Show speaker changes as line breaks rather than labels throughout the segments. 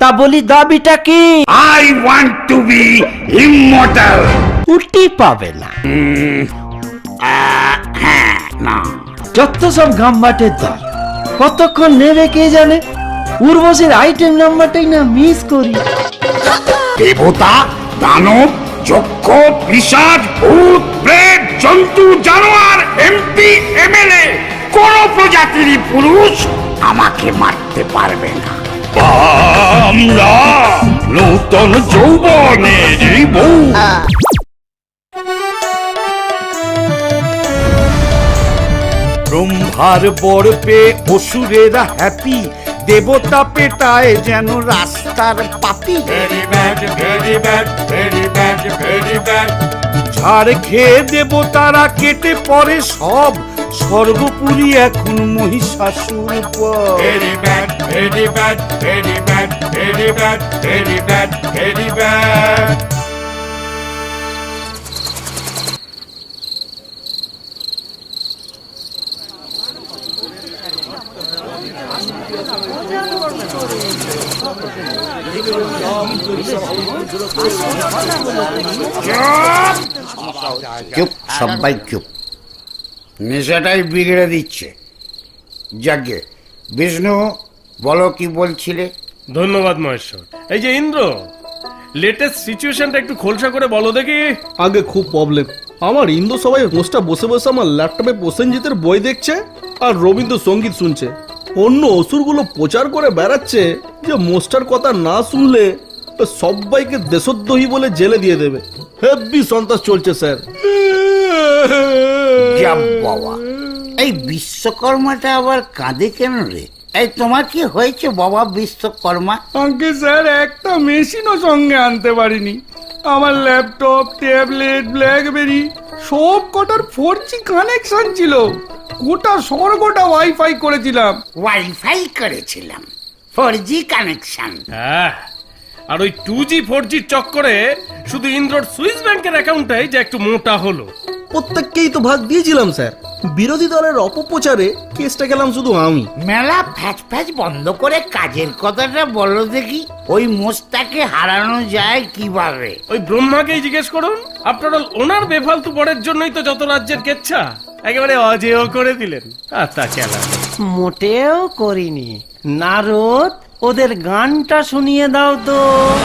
তা বলি দাবিটা কি?
I want to be immortal.
উটি পাবে না।
হ্যাঁ, না।
যত সব গাম্বাটের দল, কতক্ষণ নেবে কে জানে। উর্বশীর আইটেম নাম্বারটাই না মিস করি।
দেবতা, দানব, যক্ষ, পিশাচ, ভূত, প্রেত, জন্তু, জানোয়ার, এমপি, এমএলএ, কোন প্রজাতির পুরুষ আমাকে মারতে পারবে না। আমরা নূতন যৌবনের বউ।
ব্রহ্মার বর পেয়ে অসুরেরা হ্যাপি, দেবতা পেটায় যেন রাস্তার পাপি। ঝাড় খেয়ে দেবতারা কেটে পড়ে সব, সর্বোপরি এখন মহিষাসুর পর।
চুপ, সবাই চুপ। নেশাটাই বিগড়ে দিচ্ছে। যাকে বিষ্ণু, বলো কি বলছিলে?
ধন্যবাদ মহেশ্বর। এই যে ইন্দ্র, লেটেস্ট সিচুয়েশনটা একটু খোলসা করে বলো দেখি।
আগে খুব প্রবলেম আমার। ইন্দু সবাই মোস্টটা বসে বসে আমার ল্যাপটপে প্রসেনজিতের বই দেখছে আর রবীন্দ্রসঙ্গীত শুনছে। অন্য অসুরগুলো প্রচার করে বেড়াচ্ছে যে মোস্টার কথা না শুনলে সবাইকে দেশদ্রোহী বলে জেলে দিয়ে দেবে। হেভি সন্ত্রাস চলছে স্যার।
যা বাবা, এই বিশ্বকর্মাটা আবার কাঁদে কেন রে? এই তোমার কি হয়েছে বাবা বিশ্বকর্মা?
আগে স্যার একটা মেশিনও সঙ্গে আনতে পারিনি। আমার ল্যাপটপ, ট্যাবলেট, ব্ল্যাকবেরি সব কটার 4G কানেকশন ছিল। গোটা স্বর্গটা ওয়াইফাই করেছিলাম।
ওয়াইফাই করেছিলাম, 4G কানেকশন।
হ্যাঁ, আর ওই 2G 4G চক্করে শুধু ইন্দ্রর সুইস ব্যাংকের অ্যাকাউন্টটাই যে একটু মোটা হলো।
প্রত্যেককেই তো ভাগ দিয়েছিলাম স্যার। বিরোধী দলের অপপ্রচারে কেসটা গেলাম শুধু আমি।
মেলা ফ্যাচ ফ্যাচ বন্ধ করে কাজের কথাটা বলো দেখি। ওই মোস্তাকে হারানো যায় কিভাবে?
ওই ব্রহ্মাকেই জিজ্ঞেস করুন। আপনার ওনার বেফালতু বড়ের জন্যই তো যত রাজ্যের কেচ্ছা একেবারে অজেয় করে দিলেন। তা খেলা
মোটেও করিনি। নারদ, ওদের গানটা শুনিয়ে দাও তো।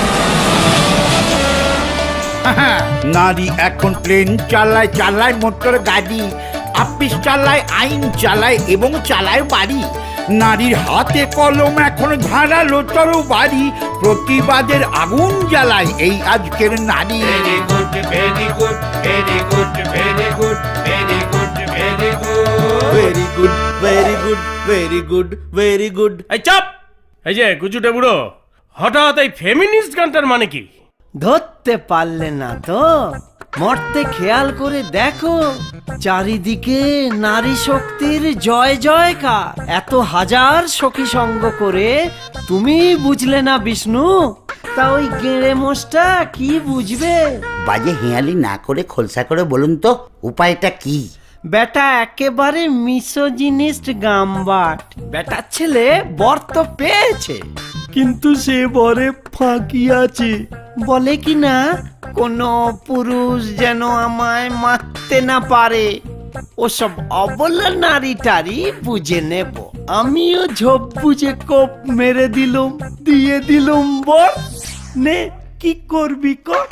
নারী এখন প্লেন চালায়, চালায় মোটর গাড়ি, আপিস চালায়, আইন চালায় এবং চালায় বাড়ি। নারীর হাতে কলম এখন ধারালো তরবারি, প্রতিবাদের আগুন জ্বালায় এই আজকের নারী।
Very good, very good, very good, very good, very good, very good, very good, very good, very good, very good.
এই চাপ! এই যে গুজুটে বুড়ো, হঠাৎ এই ফেমিনিস্ট গানটার মানে কি?
ধরতে পারলে না তো? মরতে খেয়াল করে দেখো, চারিদিকে নারী শক্তির জয় জয়কার। এত হাজার সখী সঙ্গ করে তুমি বুঝলে না বিষ্ণু? তা ওই গেঁড়ে মোষটা কি বুঝবে?
বাজে হেয়ালি না করে খোলসা করে বলুন তো উপায়টা কি?
বেটা একেবারে মিসোজিনিস্ট গাম্বাট। বেটার ছেলে বর তো পেয়েছে, কিন্তু সে বরে ফাঁকি আছে। বলে কি না, কোনো পুরুষ যেন আমায় মারতে না পারে। ওসব অবলা নারী টারি বুঝে নেব। আমিও ঝোপ বুঝে কোপ মেরে দিলুম, দিয়ে দিলুম বর। নে কি করবি কর।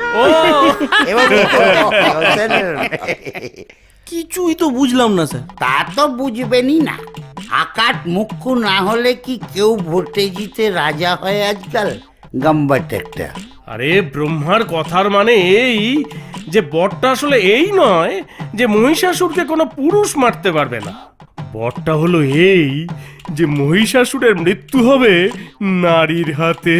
কিছুই তো বুঝলাম না স্যার।
তা তো বুঝবেনই না। আকাট মুখ্য না হলে কি কেউ ভোটে জিতে রাজা হয় আজকাল? গাম্বাট একটা।
আরে ব্রহ্মার কথার মানে এই যে বরটা আসলে এই নয় যে মহিষাসুরকে কোনো পুরুষ মারতে পারবে না। বরটা হলো এই যে মহিষাসুরের মৃত্যু হবে নারীর হাতে।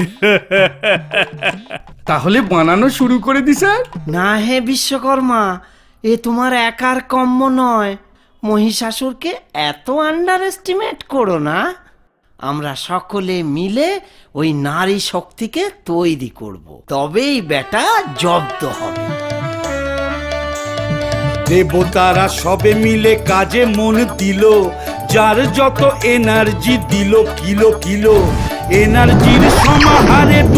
তাহলে বানানো শুরু করে দি স্যার।
না হে বিশ্বকর্মা, এ তোমার একার কম্য নয়। মহিষাসুরকে এত আন্ডার এস্টিমেট করো না। আমরা সকলে মিলে ওই নারী শক্তিকে তৈরি করব, তবেই বেটা জব্দ হবে।
দেবতারা সবে মিলে কাজে মন দিল, যার যত এনার্জি দিল কিলো কিলো। এনার্জির সমাহারে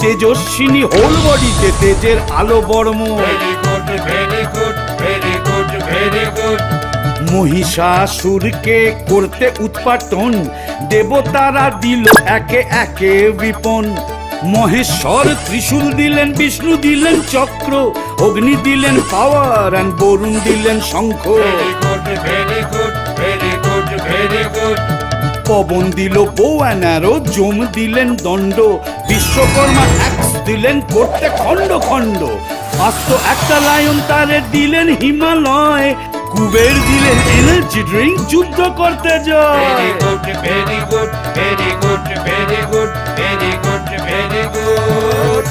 তেজস্বিনী হোল বডিতে তেজের আলো বর্ম।
Very good very good very good very good
মহিষাসুরকে করতে উৎপাটন দেবতারা দিল একে একে বিপন। মহেশ্বর ত্রিশূল দিলেন, বিষ্ণু দিলেন চক্র, অগ্নি দিলেন পাওয়ার আর বরুণ দিলেন শঙ্খ।
Very good very good very good very good
Pawan দিল বো অ্যানারো, জম দিলেন দণ্ড, বিশ্বকর্মা অ্যাক্স দিলেন করতে খণ্ড খণ্ড। আস্ত একটা লায়ন তারে দিলেন হিমালয়, কুবের দিলেন এনার্জি ড্রিঙ্ক যুদ্ধ করতে যায়।
Very good very good very good very good very good very good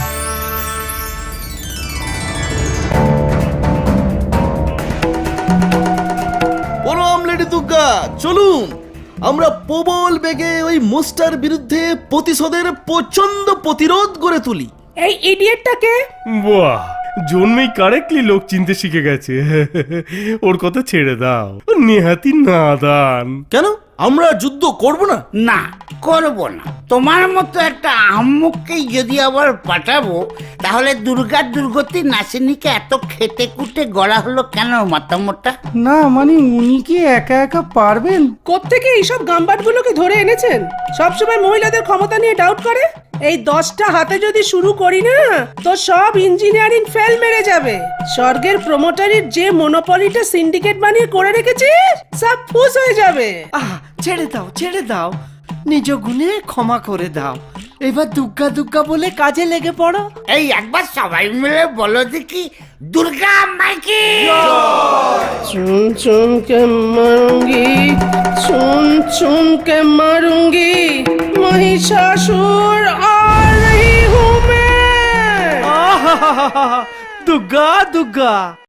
প্রণাম লেডি দুর্গা, চলুন আমরা প্রবল বেগে ওই মোস্টার বিরুদ্ধে প্রতিশোধের প্রচন্ড প্রতিরোধ গড়ে তুলি।
এই ইডিয়েটটাকে
বাহ, জন্মেই কারেক্টলি লোক চিনতে শিখে গেছে। ওর কথা ছেড়ে দাও, ও নেহাতি নাদান।
কেন আমরা যুদ্ধ করব না?
না, করব না। তোমার মতো একটা আম্মুককেই যদি আবার পাঠাবো, তাহলে দুর্গার দুর্গতি নাসিনীকে এত খেটে কুটে গড়া হলো কেন মাতামোটা?
না মানে উনি কি একা একা পারবেন?
কোত্থেকে এইসব গাম্বাটগুলোকে ধরে এনেছেন? সবসময় মহিলাদের ক্ষমতা নিয়ে ডাউট করে। এই 10টা হাতে যদি শুরু করি না, তো সব ইঞ্জিনিয়ারিং ফেল মেরে যাবে। স্বর্গের প্রমোটারির যে মনোপলিটা সিন্ডিকেট বানিয়ে করে রেখেছিস, সব ফুস হয়ে যাবে।
আহ, ছেড়ে দাও ছেড়ে দাও, নিজ গুণে ক্ষমা করে দাও। এবার দুগ্গা দুগ্গা বলে কাজে লেগে পড়ো।
এই একবার সবাই মিলে বলো দেখি, দুর্গা মাইকি।
চুন চুন কে মারুঙ্গি, চুন চুন কে মারুঙ্গি, महिषासुर आ रही हूँ मैं।
দুগ্গা দুগ্গা